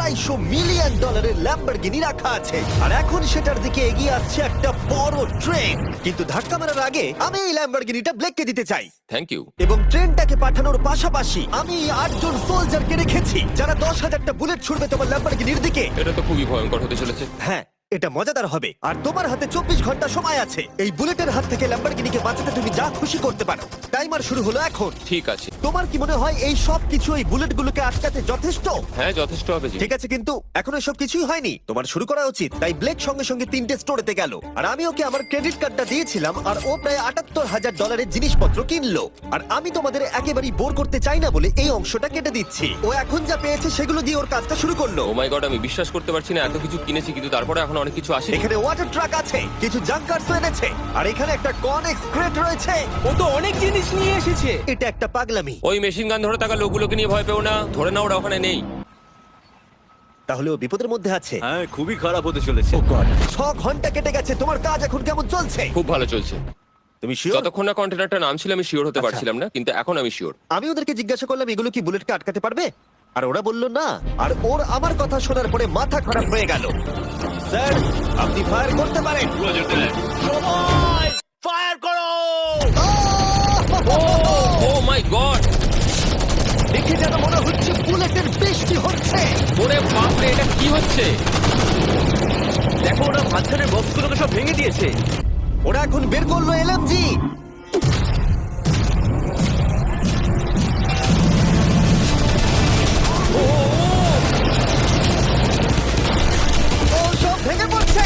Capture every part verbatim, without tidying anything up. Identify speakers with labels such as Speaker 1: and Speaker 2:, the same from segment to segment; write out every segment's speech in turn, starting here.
Speaker 1: আড়াইশো মিলিয়ন ডলারের ল্যাম্বরগিনি রাখা আছে, আর এখন সেটার দিকে এগিয়ে আসছে একটা বড় ট্রেন। কিন্তু ধাক্কা মারার আগে আমি এই ল্যাম্বরগিনিটা ব্লেককে দিতে চাই।
Speaker 2: Thank you.
Speaker 1: এবং ট্রেনটাকে পাঠানোর পাশাপাশি আমি এই আটজন সোলজারকে রেখেছি যারা দশ হাজারটা বুলেট ছুড়বে তোমার ল্যাম্বরগিনির দিকে।
Speaker 2: এটা তো খুবই ভয়ঙ্কর হতে চলেছে।
Speaker 1: হ্যাঁ, এটা মজাদার হবে। আর তোমার হাতে চব্বিশ ঘন্টা সময় আছে এই বুলেটের হাত থেকে ল্যাম্বরগিনিকে বাঁচাতে। তুমি যা খুশি করতে পারো। টাইমার শুরু হলো এখন।
Speaker 2: ঠিক আছে।
Speaker 1: তোমার কি মনে হয় এই সব কিছু এই বুলেটগুলোকে আটকাতে যথেষ্ট?
Speaker 2: হ্যাঁ, যথেষ্ট হবে জি।
Speaker 1: ঠিক আছে, কিন্তু এখন সব কিছুই হয়নি। তোমার শুরু করা উচিত। তাই ব্লেক সঙ্গে সঙ্গে তিনটে স্টোরেতে গেল, আর আমি ওকে আমার ক্রেডিট কার্ডটা দিয়েছিলাম, আর ও প্রায় আটাত্তর হাজার ডলারের জিনিসপত্র কিনলো। আর আমি তোমাদের একেবারেই বোর করতে চাই না বলে এই অংশটা কেটে দিচ্ছি। ও এখন যা পেয়েছে সেগুলো দিয়ে ওর কাজটা শুরু করলো।
Speaker 2: ও মাই গড, আমি বিশ্বাস করতে পারছি না এত কিছু কিনেছি কিন্তু তারপরে এখন অনেক কিছু আসে।
Speaker 1: এখানে ওয়াটার ট্রাক আছে, কিছু জাঙ্কারস এনেছে, আর এখানে একটা কনেক্স ক্রেট রয়েছে।
Speaker 3: ও তো অনেক জিনিস নিয়ে এসেছে।
Speaker 1: এটা একটা পাগলামি।
Speaker 2: ওই মেশিন গান ধরে থাকা লোকগুলোকে নিয়ে ভয় পেও না, ধরে না ওরা ওখানে নেই।
Speaker 1: তাহলে ও বিপদের মধ্যে আছে।
Speaker 3: হ্যাঁ, খুবই খারাপ হতে চলেছে।
Speaker 1: ও গড, ছ ঘন্টা কেটে গেছে। তোমার কাজ এখন কেমন চলছে?
Speaker 2: খুব ভালো চলছে।
Speaker 1: তুমি শিওর?
Speaker 2: যতক্ষণ না কন্টেনারটা নামছিল আমি শিওর হতে
Speaker 1: আচ্ছা।
Speaker 2: পারছিলাম না, কিন্তু এখন আমি শিওর।
Speaker 1: আমি ওদেরকে জিজ্ঞাসা করলাম এগুলো কি বুলেটকে আটকাতে পারবে, আর ওরা বলল না। আর ওর আমার কথা শোনার পরে মাথা খারাপ হয়ে গেল। স্যার, আপনি ফায়ার করতে পারেন।
Speaker 3: ফায়ার করো!
Speaker 2: ও মাই গড,
Speaker 1: দেখে যেন মনে হচ্ছে বুলেটের বৃষ্টি হচ্ছে।
Speaker 2: ওরে বাপ রে, এটা কি হচ্ছে?
Speaker 3: দেখো, ওরা মাঝখানের বক্সগুলোকে সব ভেঙে দিয়েছে।
Speaker 1: ওরা এখন বের করলো এলএমজি। ও সব ভেঙে পড়ছে।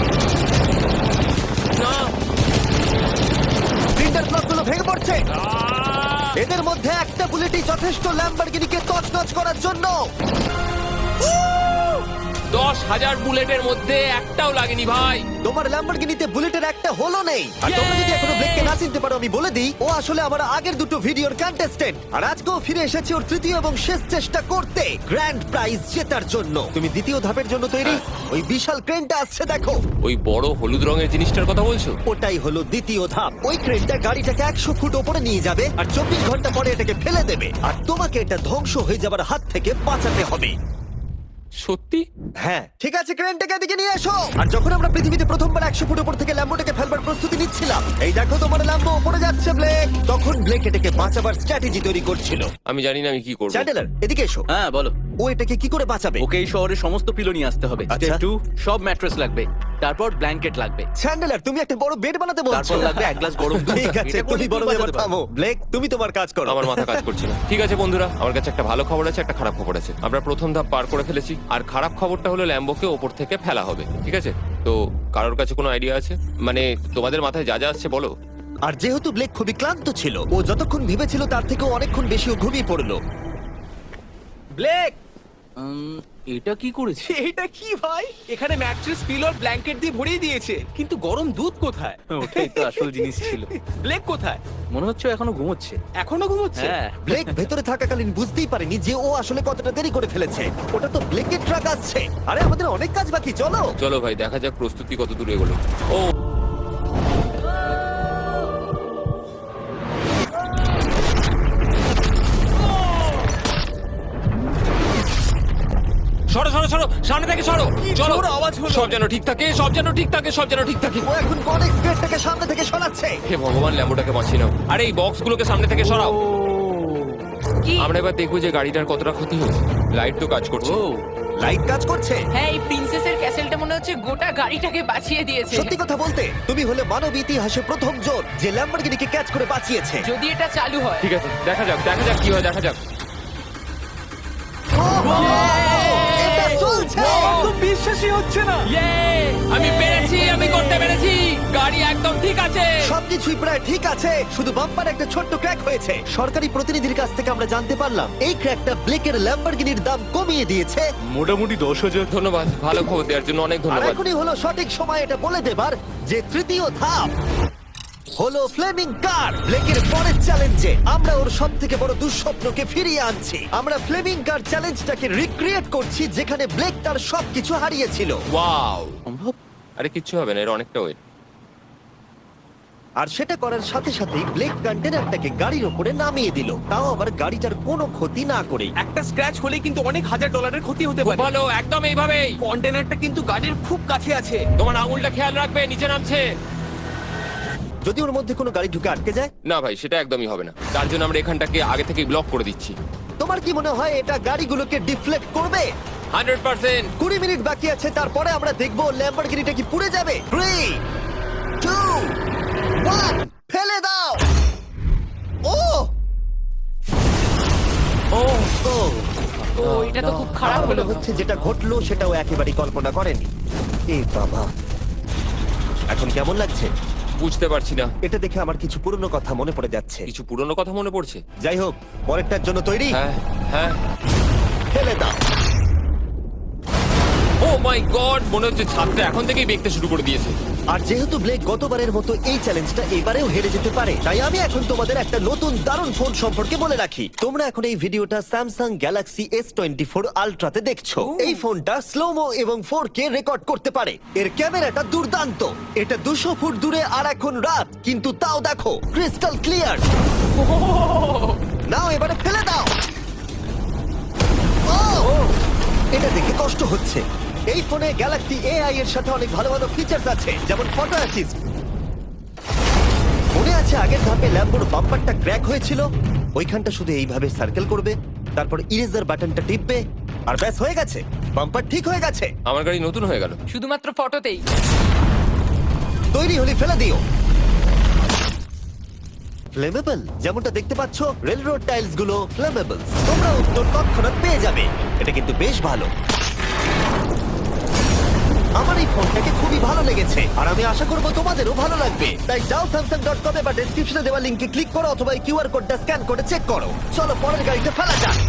Speaker 2: না,
Speaker 1: প্রিন্টার ব্লকগুলো ভেঙে পড়ছে। এদের মধ্যে একটা বুলেটই যথেষ্ট ল্যাম্বরগিনিকে তছনছ করার জন্য।
Speaker 2: দশ হাজার বুলেটের মধ্যে একটাও লাগেনি ভাই।
Speaker 1: তোমার ল্যাম্বরগিনিতে বুলেটের একটা হলো নেই। আর তোমরা যদি এখনো ব্লেককে না চিনতে পারো, আমি বলে দিই, ও আসলে আমার আগের দুটো ভিডিওর কন্টেস্টেন্ট, আর আজকেও ফিরে এসেছে ওর তৃতীয় এবং শেষ চেষ্টা করতে গ্র্যান্ড প্রাইজ জেতার জন্য। তুমি দ্বিতীয় ধাপের জন্য তৈরি? ওই বিশাল ক্রেনটা আসছে, দেখো।
Speaker 2: ওই বড় হলুদ রঙের জিনিসটার কথা বলছো?
Speaker 1: ওটাই হলো দ্বিতীয় ধাপ। ওই ক্রেনটা গাড়িটাকে একশো ফুট ওপরে নিয়ে যাবে, আর চব্বিশ ঘন্টা পরে এটাকে ফেলে দেবে, আর তোমাকে এটা ধ্বংস হয়ে যাবার হাত থেকে বাঁচাতে হবে।
Speaker 2: সত্যি?
Speaker 1: হ্যাঁ, ঠিক আছে, ক্রেনটাকে এদিকে নিয়ে এসো। আর যখন আমরা পৃথিবীতে প্রথমবার একশো ফুট উপর থেকে ল্যাম্বোটাকে ফেলবার প্রস্তুতি নিচ্ছিলাম, এই দেখো তোমার ল্যাম্বো উপরে যাচ্ছে ব্লেক, তখন ব্লেক এটাকে বাঁচাবার স্ট্র্যাটেজি তৈরি করছিল।
Speaker 2: আমি জানি না আমি কি করবো।
Speaker 1: চ্যান্ডেলার, এদিকে এসো।
Speaker 3: হ্যাঁ, বলো।
Speaker 1: ও এটাকে কি করে বাঁচাবে?
Speaker 3: ওকে এই শহরের সমস্ত পিলো নিয়ে আসতে হবে।
Speaker 1: আচ্ছা।
Speaker 3: স্টেপ টু, সব ম্যাট্রেস লাগবে, তারপর ব্ল্যাঙ্কেট লাগবে,
Speaker 1: চ্যান্ডেলার, তুমি একটা বড় বেড বানাতে বলছো।
Speaker 3: তারপর লাগবে এক গ্লাস গরম দুধ।
Speaker 1: ঠিক আছে,
Speaker 3: এটা
Speaker 1: তুমি
Speaker 3: বলে
Speaker 1: বড়
Speaker 3: কি
Speaker 1: এবার
Speaker 3: বাজাতে
Speaker 1: থামো। ব্লেক, তুমি তোমার কাজ করো।
Speaker 2: আমার মাথা কাজ করছে না। ঠিক আছে বন্ধুরা, আমার কাছে একটা ভালো খবর আছে, একটা খারাপ খবর আছে। আমরা প্রথম ধাপ পার করে ফেলেছি, আর খারাপ খবরটা হলো ল্যাম্বোকে ওপর থেকে ফেলা হবে। ঠিক আছে, তো কারোর কাছে কোনো আইডিয়া আছে? মানে তোমাদের মাথায় যা যা আসছে বলো।
Speaker 1: আর যেহেতু ব্লেক খুবই ক্লান্ত ছিল, ও যতক্ষণ ভেবেছিল তার থেকে অনেকক্ষণ বেশি ও ঘুমিয়ে পড়লো।
Speaker 3: ব্লেক, উম, এটা কি করেছে? এটা কি ভাই? এখানে ম্যাট্রেস, পিলো, ব্ল্যাঙ্কেট দিয়ে ভরিয়ে দিয়েছে, কিন্তু গরম দুধ কোথায়? ওটাই তো আসল জিনিস ছিল। ব্লেক কোথায়? মনে হচ্ছে ও এখনো ঘুমোচ্ছে। এখনো ঘুমোচ্ছে? হ্যাঁ।
Speaker 1: ব্লেক ভেতরে থাকাকালীন বুঝতেই পারেনি যে ও আসলে কতটা দেরি করে ফেলেছে। ওটা তো ব্লেকের ট্রাক আসছে। আরে আমাদের অনেক কাজ বাকি, চলো।
Speaker 2: চলো ভাই, দেখা যাক প্রস্তুতি কত দূরে এগোলো। ও সরো সরো সরো, সামনে থেকে সরো। চলো,
Speaker 3: জোর আওয়াজ হলো।
Speaker 2: সব যেন ঠিক থাকে, সব যেন ঠিক থাকে, সব যেন ঠিক থাকে।
Speaker 1: ও এখন কনেক্স গেটটাকে সামনে থেকে সরাচ্ছে।
Speaker 2: হে ভগবান, ল্যাম্বোটাকে বাঁচিয়ে নাও। আরে এই বক্সগুলোকে সামনে থেকে সরাও।
Speaker 4: কি?
Speaker 2: আমরা এবার দেখবো যে গাড়িটার কতটা ক্ষতি হয়েছে। লাইট তো কাজ করছে।
Speaker 3: ও,
Speaker 1: লাইট কাজ করছে।
Speaker 4: হ্যাঁ, এই প্রিন্সেসের ক্যাসেলটা মনে হচ্ছে গোটা গাড়িটাকে বাঁচিয়ে দিয়েছে।
Speaker 1: সত্যি কথা বলতে, তুমি হলে মানব ইতিহাসে প্রথম জন যে ল্যাম্বরগিনিকে ক্যাচ করে বাঁচিয়েছে।
Speaker 4: যদি এটা চালু হয়।
Speaker 2: ঠিক আছে, দেখা যাক, দেখা যাক কি হয়, দেখা যাক।
Speaker 1: এটা চলছে।
Speaker 3: তো বিশ্বাসই হচ্ছে না।
Speaker 2: ইয়ে! আমি পেরেছি, আমি করতে পেরেছি। গাড়ি একদম ঠিক আছে।
Speaker 1: সবকিছুই প্রায় ঠিক আছে, শুধু বাম্পার একটা ছোট্ট ক্র্যাক হয়েছে। সরকারি প্রতিনিধির কাছ থেকে আমরা জানতে পারলাম এই ক্র্যাকটা ব্লেকের ল্যাম্বরগিনির দাম কমিয়ে দিয়েছে।
Speaker 3: মোটামুটি দশ হাজার।
Speaker 2: ধন্যবাদ, ভালো খবর দেওয়ার জন্য অনেক
Speaker 1: আর
Speaker 2: ধন্যবাদ।
Speaker 1: এখনই হলো সঠিক সময় এটা বলে দেবার যে তৃতীয় ধাপ হলো ফ্লেমিং কার। ব্লেকের পরের চ্যালেঞ্জে আমরা ওর সব থেকে বড় দুঃস্বপ্নকে ফিরিয়ে আনছি। আমরা ফ্লেমিং কার চ্যালেঞ্জটাকে রিক্রিয়েট করছি যেখানে ব্লেক তার সবকিছু হারিয়েছিল।
Speaker 2: ওয়াও!
Speaker 3: সম্ভব?
Speaker 2: আরে কিচ্ছু হবে না, এর অনেকটা ওয়েট।
Speaker 1: আর সেটা করার সাথে সাথেই ব্লেক কন্টেনারটাকে গাড়ির ওপরে নামিয়ে দিল, তাও আবার গাড়িটার কোনো ক্ষতি না করেই।
Speaker 3: একটা স্ক্র্যাচ হলে কিন্তু অনেক হাজার ডলারের ক্ষতি হতে
Speaker 2: খুব
Speaker 3: পারে।
Speaker 2: ভালো, একদম এইভাবেই।
Speaker 3: কন্টেনারটা কিন্তু গাড়ির খুব কাছে আছে।
Speaker 2: তোমার আঙুলটা খেয়াল রাখবে, নিচে নামছে।
Speaker 1: যদি ওর মধ্যে কোনো গাড়ি ঢুকে আটকে যায়,
Speaker 2: না ভাই, সেটা একদমই হবে না। তার জন্য আমরা এখানটাকে আগে থেকেই ব্লক করে দিচ্ছি।
Speaker 1: তোমার কি মনে হয় এটা গাড়িগুলোকে ডিফ্লেক্ট করবে?
Speaker 2: Hundred percent.
Speaker 1: কুড়ি মিনিট বাকি আছে, তারপরে আমরা দেখবো ল্যাম্বরগিনিটা কি পুড়ে যাবে। থ্রি টু ওয়ান, ফেলে দাও। ও
Speaker 2: ও
Speaker 1: ও
Speaker 4: ও এটা তো খুব খারাপ
Speaker 1: আমার মনে
Speaker 4: হলো।
Speaker 1: হচ্ছে যেটা ঘটলো সেটাও একেবারেই কল্পনা করেনি। এ বাবা, এখন কেমন লাগছে?
Speaker 2: বুঝতে পারছি না।
Speaker 1: এটা দেখে আমার কিছু পুরনো কথা মনে পড়ে যাচ্ছে।
Speaker 2: কিছু পুরনো কথা মনে পড়ছে।
Speaker 1: যাই হোক, পরেরটার জন্য তৈরি?
Speaker 2: হ্যাঁ হ্যাঁ।
Speaker 1: ফেলে দাও।
Speaker 2: ও মাই গড, মনে হচ্ছে ছাদটা এখন থেকেই দেখতে শুরু করে দিয়েছে।
Speaker 1: আর যেহেতু ব্লেক গতবারের মতো এই চ্যালেঞ্জটা এবারেও হেরে যেতে পারে, তাই আমি এখন তোমাদের একটা নতুন দারুণ ফোন সম্পর্কে বলে রাখি। তোমরা এখন এই ভিডিওটা Samsung Galaxy S twenty four আলট্রাতে দেখছো। এই ফোনটা স্লোমো এবং ফোর কে রেকর্ড করতে পারে। এর ক্যামেরাটা দুর্দান্ত। এটা দুশো ফুট দূরে আর এখন রাত, কিন্তু তাও দেখো ক্রিস্টাল ক্লিয়ার। নাও এবারে ফেলে দাও। ও! এটা দেখে কষ্ট হচ্ছে। এই ফোনে গ্যালাক্সি এআই এর সাথে অনেক ভালো ভালো ফিচার্স আছে, যেমন ফটো অ্যাসিস্ট। মনে আছে আগের ধাপে ল্যাম্বোর বাম্পারটা ক্র্যাক হয়েছিল? ওইখানটা শুধু এইভাবে সার্কেল করবে, তারপর ইরেজার বাটনটা টিপবে, আর ব্যাস হয়ে গেছে, বাম্পার ঠিক হয়ে গেছে।
Speaker 2: আমার গাড়ি নতুন হয়ে গেল।
Speaker 4: শুধুমাত্র ফটোতেই।
Speaker 1: তৈরি হলে ফেলে দিও। ফ্লেমেবল, যেমনটা দেখতে পাচ্ছ রেল রোড টাইলস গুলো ফ্লেমেবল। তোমরা উত্তর তৎক্ষণাৎ পেয়ে যাবে। এটা কিন্তু বেশ ভালো। আমার এই ফোনটাকে খুবই ভালো লেগেছে, আর আমি আশা করবো তোমাদেরও ভালো লাগবে। তাই যাও স্যামসাং ডট কম বা ডেসক্রিপশনে দেওয়া লিঙ্কে ক্লিক করো, অথবা কিউআর কোডটা স্ক্যান করে চেক করো। চলো পরের গাড়িতে ফেলা যাক।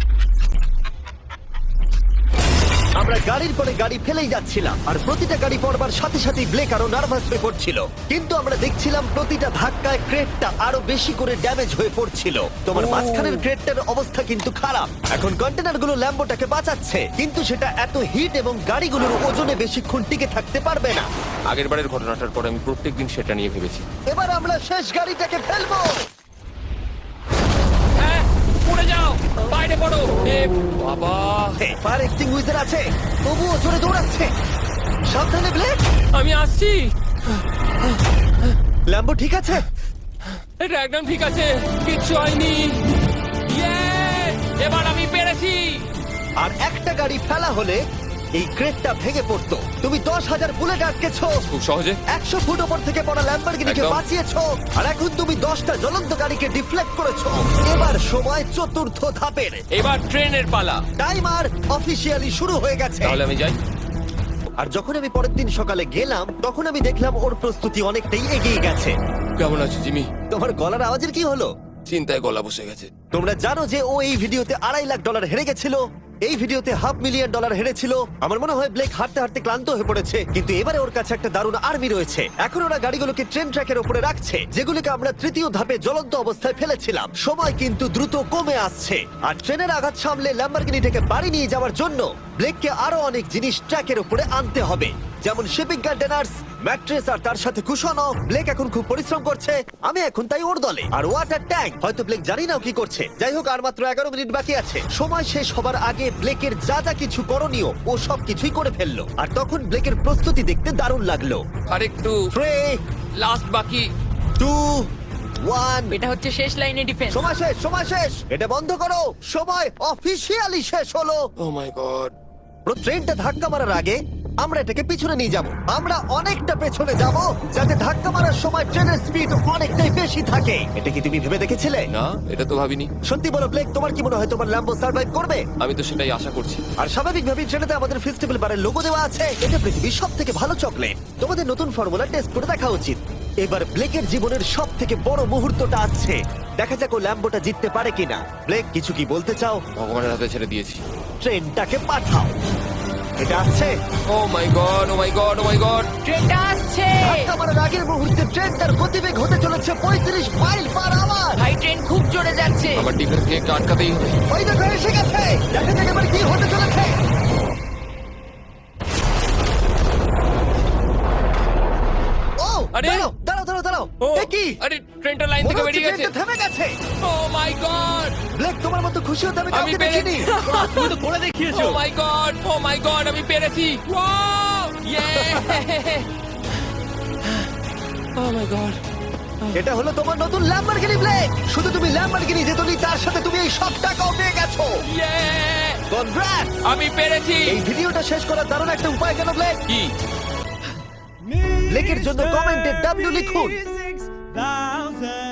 Speaker 1: আমরা গাড়ির পরে গাড়ি ফেলেই যাচ্ছিলাম, আর প্রতিটা গাড়ি পড়বার সাথে সাথেই ব্লেক আরো নার্ভাস হয়ে পড়ছিল। কিন্তু আমরা দেখছিলাম প্রতিটা ধাক্কায় ক্রেটটা আরো বেশি করে ড্যামেজ হয়ে পড়ছিল। তোমার মাঝখানের ক্রেটটার অবস্থা কিন্তু খারাপ। এখন কন্টেনারগুলো ল্যাম্বোটাকে বাঁচাচ্ছে, কিন্তু সেটা এত হিট এবং গাড়িগুলোর ওজনে বেশিক্ষণ টিকে থাকতে পারবে না।
Speaker 2: আগের বারের ঘটনাটার পর আমি প্রত্যেকদিন সেটা নিয়ে ভেবেছি।
Speaker 1: এবার আমরা শেষ গাড়িটাকে ফেলবো।
Speaker 2: হ্যাঁ, পড়ে যাও, বাইরে পড়ো। এ বাবা,
Speaker 1: ফায়ার এক্সটিংগুইশার আছে, তবুও জোরে দৌড়াচ্ছে। সাবধানে ব্লেক।
Speaker 2: আমি আসছি।
Speaker 1: ল্যাম্বো ঠিক আছে?
Speaker 2: এটা একদম ঠিক আছে, কিচ্ছু হয়নি। ইয়ে, এবার আমি পেরেছি।
Speaker 1: আর একটা গাড়ি ফেলা হলে এই ক্রেটটা ভেঙে পড়তো। তুমি দশ হাজার বুলেট আটকেছো,
Speaker 2: খুব সহজে।
Speaker 1: একশো ফুট ওপর থেকে পড়া ল্যাম্বরগিনিকে
Speaker 2: একদম।
Speaker 1: বাঁচিয়েছো, আর এখন তুমি দশটা জ্বলন্ত গাড়িকে ডিফ্লেক্ট করেছো। এবার সময় চতুর্থ ধাপের।
Speaker 2: এবার ট্রেনের পালা।
Speaker 1: টাইমার অফিসিয়ালি শুরু হয়ে গেছে।
Speaker 2: তাহলে আমি যাই।
Speaker 1: আর যখন আমি পরের দিন সকালে গেলাম, তখন আমি দেখলাম ওর প্রস্তুতি অনেকটাই এগিয়ে গেছে।
Speaker 2: কেমন আছো জিমি?
Speaker 1: তোমার গলার আওয়াজের কি হলো?
Speaker 2: চিন্তায় গলা বসে গেছে।
Speaker 1: তোমরা জানো যে ও এই ভিডিওতে আড়াই লাখ ডলার হেরে গেছিল, এই ভিডিওতে হাফ মিলিয়ন ডলার হেরেছিল। আমার মনে হয় ব্লেক হাঁটতে হাঁটতে ক্লান্ত হয়ে পড়েছে, কিন্তু এবারে ওর কাছে একটা দারুণ আর্মি রয়েছে। এখন ওরা গাড়িগুলোকে ট্রেন ট্র্যাকের উপরে রাখছে, যেগুলোকে আমরা তৃতীয় ধাপে জ্বলন্ত অবস্থায় ফেলেছিলাম। সময় কিন্তু দ্রুত কমে আসছে, আর ট্রেনের আঘাত সামলে ল্যাম্বরগিনিটাকে বাড়ি নিয়ে যাওয়ার জন্য ব্লেককে আরো অনেক জিনিস ট্র্যাকের উপরে আনতে হবে, যেমন শিপিং কন্টেনার্স, ম্যাট্রেস আর তার সাথে কুশনও। ব্লেক এখন খুব পরিশ্রম করছে, আমি এখন তাই ওর দলে। আর ওয়াটার ট্যাঙ্ক, হয়তো ব্লেক জানি না ও কি করছে। যাই হোক, আর মাত্র এগারো মিনিট বাকি আছে। সময় শেষ হবার আগে ব্লেকের যা যা কিছু করণীয় ও সব কিছুই করে ফেললো। আর তখন ব্লেকের প্রস্তুতি দেখতে দারুণ লাগলো।
Speaker 2: আর একটু
Speaker 1: থ্রি
Speaker 2: লাস্ট বাকি।
Speaker 1: টু ওয়ান,
Speaker 4: এটা হচ্ছে শেষ লাইনে ডিফেন্স।
Speaker 1: সময় শেষ, সময় শেষ। এটা বন্ধ করো, সময় অফিসিয়ালি শেষ হলো।
Speaker 2: Oh my god.
Speaker 1: পুরো ট্রেনটা ধাক্কা মারার আগে আমরা এটাকে পিছনে নিয়ে যাব। আমরা অনেকটা পেছনে যাব, যাতে ধাক্কা মারার সময় ট্রেনের স্পিড অনেকটাই বেশি থাকে। এটা কি তুমি ভেবে দেখেছিলে?
Speaker 2: না, এটা তো ভাবিনি।
Speaker 1: সত্যি বলো ব্লেক, তোমার কি মনে হয় তোমার ল্যাম্বো সার্ভাইভ করবে?
Speaker 2: আমি তো সেটাই আশা করছি।
Speaker 1: আর স্বাভাবিকভাবেই ট্রেনেতে আমাদের ফেস্টিভ্যাল বারের লোগো দেওয়া আছে। এটা পৃথিবীর সব থেকে ভালো চকলেট। তোমাদের নতুন ফর্মুলা টেস্ট করে দেখা উচিত। এবার ব্লেকের জীবনের সব থেকে বড় মুহূর্তটা আসছে। দেখা যাক ও ল্যাম্বোটা জিততে পারে কিনা। ব্লেক, কিছু কি বলতে চাও?
Speaker 2: ভগবানের হাতে ছেড়ে দিয়েছি।
Speaker 1: ট্রেনটাকে পাঠাও। এটা আসছে।
Speaker 2: Oh my god, oh my god, oh my god.
Speaker 4: ট্রেনটা আসছে।
Speaker 1: ধাক্কা মারার আগের মুহূর্তে ট্রেনটার গতিবেগ হতে চলেছে পঁয়ত্রিশ মাইল পার আওয়ার।
Speaker 4: ভাই ট্রেন খুব জোরে যাচ্ছে।
Speaker 2: আমার ডিফেন্স কেকটা আটকাতেই হবে।
Speaker 1: ওই দেখো এসে গেছে। দেখা যাক এবার কি হতে চলেছে। ও
Speaker 2: আরে!
Speaker 1: দাঁড়াও দাঁড়াও দাঁড়াও দাঁড়াও।
Speaker 2: ও!
Speaker 1: এ
Speaker 2: আরে ট্রেনটা লাইন
Speaker 1: মনে
Speaker 2: থেকে
Speaker 1: হচ্ছে
Speaker 2: বেরিয়ে গেছে
Speaker 1: ট্রেনটা থেমে গেছে।
Speaker 2: ও মাই গড
Speaker 1: ব্লেক, তোমার মতো খুশি হতে আমি
Speaker 2: আমি
Speaker 1: কাউকে
Speaker 2: পেরেছি।
Speaker 1: দেখিনি।
Speaker 3: তুমি তো করে দেখিয়েছো।
Speaker 2: ও my god oh my god আমি পেরেছি ওয়াও ইয়ে ও মাই গড
Speaker 1: এটা হলো তোমার নতুন ল্যাম্বরগিনি ব্লেক। শুধু তুমি ল্যাম্বরগিনি জেতনি, তার সাথে তুমি এই সব টাকাও পেয়ে গেছো।
Speaker 2: ইয়ে
Speaker 1: কনগ্রাটস!
Speaker 2: আমি পেরেছি
Speaker 1: এই ভিডিওটা শেষ করার দারুণ একটা উপায় কেন ব্লেক?
Speaker 2: কি
Speaker 1: ব্লেকের জন্য কমেন্টে ডাব্লিউ লিখুন।
Speaker 5: thousand